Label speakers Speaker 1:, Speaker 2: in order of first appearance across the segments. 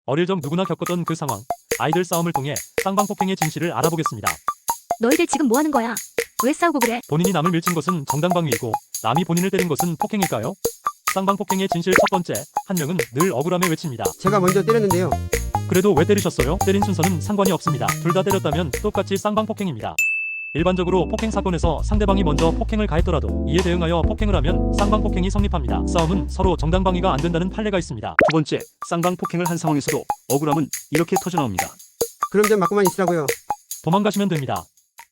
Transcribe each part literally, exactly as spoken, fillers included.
Speaker 1: 어릴 적 누구나 겪었던 그 상황. 아이들 싸움을 통해 쌍방폭행의 진실을 알아보겠습니다.
Speaker 2: 너희들 지금 뭐 하는 거야? 왜 싸우고 그래?
Speaker 1: 본인이 남을 밀친 것은 정당방위이고 남이 본인을 때린 것은 폭행일까요? 쌍방폭행의 진실 첫 번째, 한 명은 늘 억울함에 외칩니다.
Speaker 3: 제가 먼저 때렸는데요.
Speaker 1: 그래도 왜 때리셨어요? 때린 순서는 상관이 없습니다. 둘 다 때렸다면 똑같이 쌍방폭행입니다. 일반적으로 폭행 사건에서 상대방이 먼저 폭행을 가했더라도 이에 대응하여 폭행을 하면 쌍방폭행이 성립합니다. 싸움은 서로 정당방위가 안 된다는 판례가 있습니다.
Speaker 4: 두 번째, 쌍방폭행을 한 상황에서도 억울함은 이렇게 터져나옵니다.
Speaker 3: 그럼 좀 맞고만 있으라고요.
Speaker 1: 도망가시면 됩니다.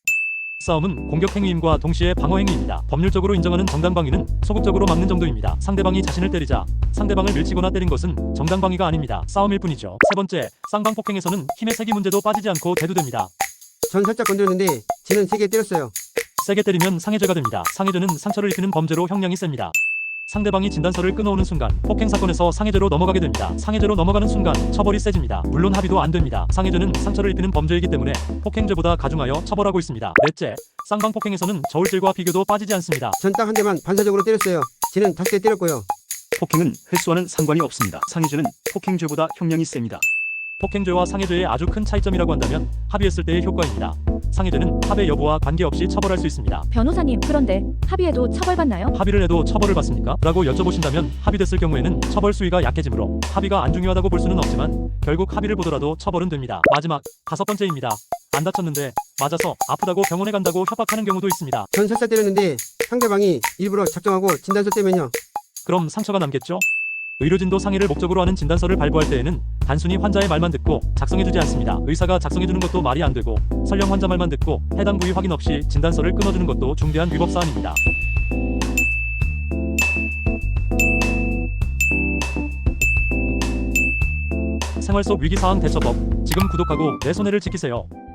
Speaker 1: 싸움은 공격행위임과 동시에 방어행위입니다. 법률적으로 인정하는 정당방위는 소극적으로 막는 정도입니다. 상대방이 자신을 때리자 상대방을 밀치거나 때린 것은 정당방위가 아닙니다. 싸움일 뿐이죠. 세 번째, 쌍방폭행에서는 힘의 세기 문제도 빠지지 않고 대두됩니다.
Speaker 3: 전 살짝 건드렸는데 쟤는 세게 때렸어요.
Speaker 1: 세게 때리면 상해죄가 됩니다. 상해죄는 상처를 입히는 범죄로 형량이 셉니다. 상대방이 진단서를 끊어오는 순간 폭행 사건에서 상해죄로 넘어가게 됩니다. 상해죄로 넘어가는 순간 처벌이 세집니다. 물론 합의도 안 됩니다. 상해죄는 상처를 입히는 범죄이기 때문에 폭행죄보다 가중하여 처벌하고 있습니다. 넷째, 쌍방폭행에서는 저울질과 비교도 빠지지 않습니다.
Speaker 3: 전 딱 한 대만 반사적으로 때렸어요. 쟤는 다섯 대 때렸고요.
Speaker 4: 폭행은 횟수와는 상관이 없습니다. 상해죄는 폭행죄보다 형량이 셉니다.
Speaker 1: 폭행죄와 상해죄의 아주 큰 차이점이라고 한다면 합의했을 때의 효과입니다. 상해죄는 합의 여부와 관계없이 처벌할 수 있습니다.
Speaker 2: 변호사님, 그런데 합의해도 처벌받나요?
Speaker 1: 합의를 해도 처벌을 받습니까? 라고 여쭤보신다면 합의됐을 경우에는 처벌 수위가 약해지므로 합의가 안 중요하다고 볼 수는 없지만 결국 합의를 보더라도 처벌은 됩니다. 마지막, 다섯 번째입니다. 안 다쳤는데 맞아서 아프다고 병원에 간다고 협박하는 경우도 있습니다.
Speaker 3: 전 살짝 때렸는데 상대방이 일부러 작정하고 진단서 떼면요.
Speaker 1: 그럼 상처가 남겠죠? 의료진도 상해를 목적으로 하는 진단서를 발부할 때에는 단순히 환자의 말만 듣고 작성해주지 않습니다. 의사가 작성해주는 것도 말이 안 되고 설령 환자 말만 듣고 해당 부위 확인 없이 진단서를 끊어주는 것도 중대한 위법 사안입니다. 생활 속 위기사항 대처법, 지금 구독하고 내 손해를 지키세요.